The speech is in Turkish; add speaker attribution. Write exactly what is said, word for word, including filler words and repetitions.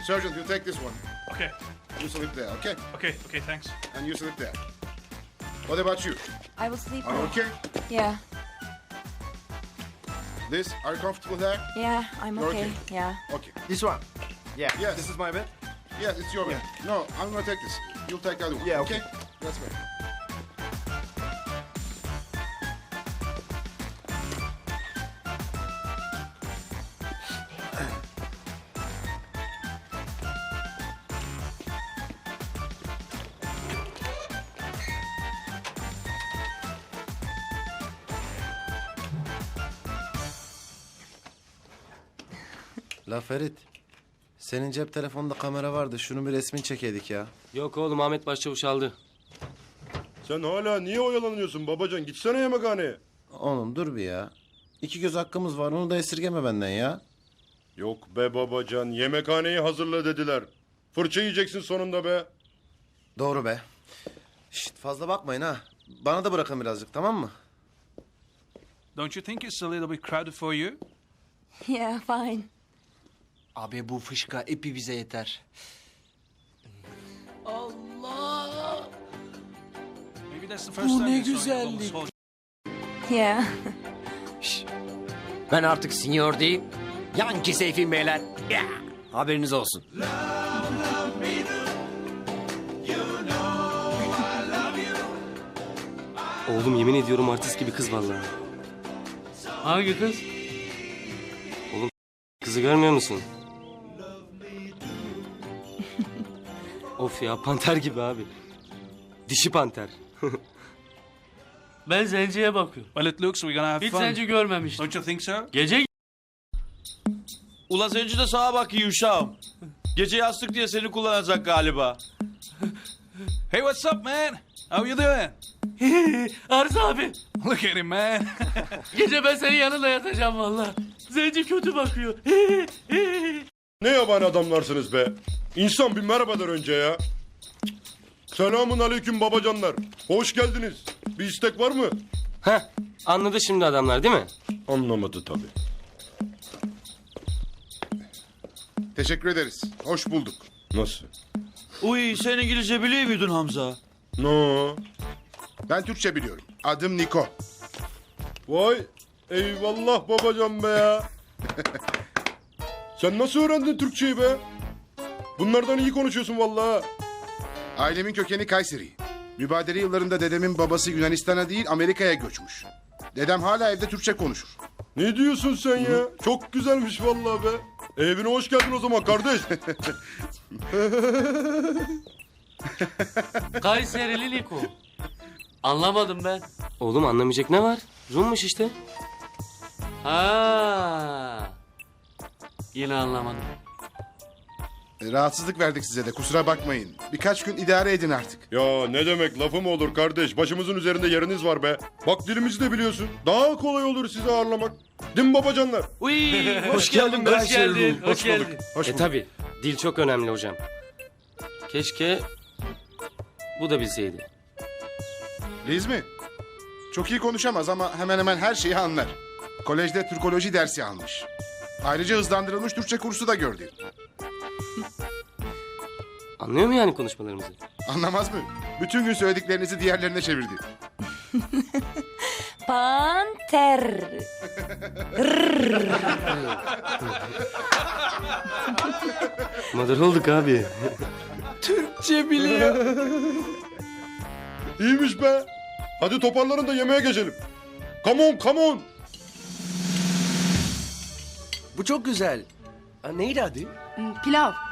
Speaker 1: Sergeant, you take this one.
Speaker 2: Okay.
Speaker 1: You sleep there, okay?
Speaker 2: Okay. Okay. Thanks.
Speaker 1: And you sleep there. What about you?
Speaker 3: I will sleep
Speaker 1: Are you
Speaker 3: there.
Speaker 1: okay?
Speaker 3: Yeah,
Speaker 1: This, are you comfortable there?
Speaker 3: yeah, I'm
Speaker 1: You're
Speaker 3: okay.
Speaker 1: okay.
Speaker 3: Yeah.
Speaker 1: Okay.
Speaker 4: This one. Yeah.
Speaker 1: Yes.
Speaker 4: This is my bed.
Speaker 1: Yes, it's your bed. No, I'm gonna take this. You'll take the other one.
Speaker 4: Yeah, okay.
Speaker 1: That's right.
Speaker 5: La Ferit, senin cep telefonunda kamera vardı. Şunun bir resmini çekeydik ya.
Speaker 6: Yok oğlum, Ahmet Başçavuş aldı.
Speaker 7: Sen hala niye oyalanıyorsun babacan? Gitsene yemekhaneye.
Speaker 5: Oğlum dur bir ya. İki göz hakkımız var, onu da esirgeme benden ya.
Speaker 7: Yok be babacan, yemekhaneyi hazırla dediler. Fırça yiyeceksin sonunda be.
Speaker 5: Doğru be. Şşt, fazla bakmayın ha. Bana da bırakın birazcık, tamam mı?
Speaker 2: Don't you think it's a little bit crowded for you?
Speaker 3: Yeah, fine.
Speaker 4: Abi bu fışka epi bize yeter.
Speaker 2: Maybe that's the first
Speaker 4: Bu
Speaker 2: time
Speaker 4: ne
Speaker 2: you saw your
Speaker 4: güzellik.
Speaker 2: little soldier.
Speaker 3: Yeah.
Speaker 8: Ben artık senior değil, Yankee Seyfi beyler. Ya, haberiniz olsun.
Speaker 6: Oğlum yemin ediyorum artist gibi kız vallahi.
Speaker 8: Hangi kız?
Speaker 6: Kızı görmüyor musun? Of ya, panter gibi abi. Dişi panter.
Speaker 8: Ben zenciye bakıyorum.
Speaker 2: Well, it looks we're gonna have
Speaker 8: Hiç
Speaker 2: fun.
Speaker 8: zenci görmemiştim.
Speaker 2: Don't you think so?
Speaker 8: Gece
Speaker 9: Ula zenci de sağa bak iyi uşağım. Gece yastık diye seni kullanacak galiba.
Speaker 2: Hey, what's up, man? How you doing?
Speaker 8: Arıza abi.
Speaker 2: Look at him, man.
Speaker 8: Gece ben senin yanında yatacağım vallahi. Zenci kötü bakıyor.
Speaker 7: Ne yabani adamlarsınız be. İnsan bir merhaba der önce ya. Selamun aleyküm babacanlar. Hoş geldiniz. Bir istek var mı?
Speaker 6: Heh, anladı şimdi adamlar değil mi?
Speaker 7: Anlamadı tabii.
Speaker 1: Teşekkür ederiz. Hoş bulduk.
Speaker 7: Nasıl?
Speaker 9: Uy sen İngilizce biliyor muydun Hamza?
Speaker 7: No.
Speaker 1: Ben Türkçe biliyorum. Adım Niko.
Speaker 7: Vay eyvallah babacan be ya. Sen nasıl öğrendin Türkçeyi be? Bunlardan iyi konuşuyorsun vallahi.
Speaker 1: Ailemin kökeni Kayseri. Mübadele yıllarında dedemin babası Yunanistan'a değil Amerika'ya göçmüş. Dedem hala evde Türkçe konuşur.
Speaker 7: Ne diyorsun sen ya? Çok güzelmiş vallahi be. Evine hoş geldin o zaman kardeş.
Speaker 8: Kayserili Niko. Anlamadım ben.
Speaker 6: Oğlum anlamayacak ne var? Rummuş işte.
Speaker 8: Ha. Yine anlamadım.
Speaker 1: E, Rahatsızlık verdik size de kusura bakmayın. Birkaç gün idare edin artık.
Speaker 7: Ya ne demek lafı mı olur kardeş? Başımızın üzerinde yeriniz var be. Bak dilimizi de biliyorsun. Daha kolay olur sizi ağırlamak. Değil mi babacanlar?
Speaker 8: Uy, hoş geldin. Hoş geldin. Hoş geldin.
Speaker 1: Hoş
Speaker 6: E
Speaker 1: bulduk.
Speaker 6: tabi, dil çok önemli hocam. Keşke bu da bilseydi.
Speaker 1: Liz mi? Çok iyi konuşamaz ama hemen hemen her şeyi anlar. Kolejde Türkoloji dersi almış. Ayrıca hızlandırılmış Türkçe kursu da gördü.
Speaker 6: Anlıyor mu yani konuşmalarımızı?
Speaker 1: Anlamaz mı? Bütün gün söylediklerinizi diğerlerine çevirdi.
Speaker 3: Panter.
Speaker 6: Madar olduk abi.
Speaker 8: Türkçe biliyor.
Speaker 7: İyiymiş be. Hadi toparlanın da yemeğe geçelim. Come on, come on.
Speaker 4: Bu çok güzel. Ha, neydi adı?
Speaker 3: Pilav.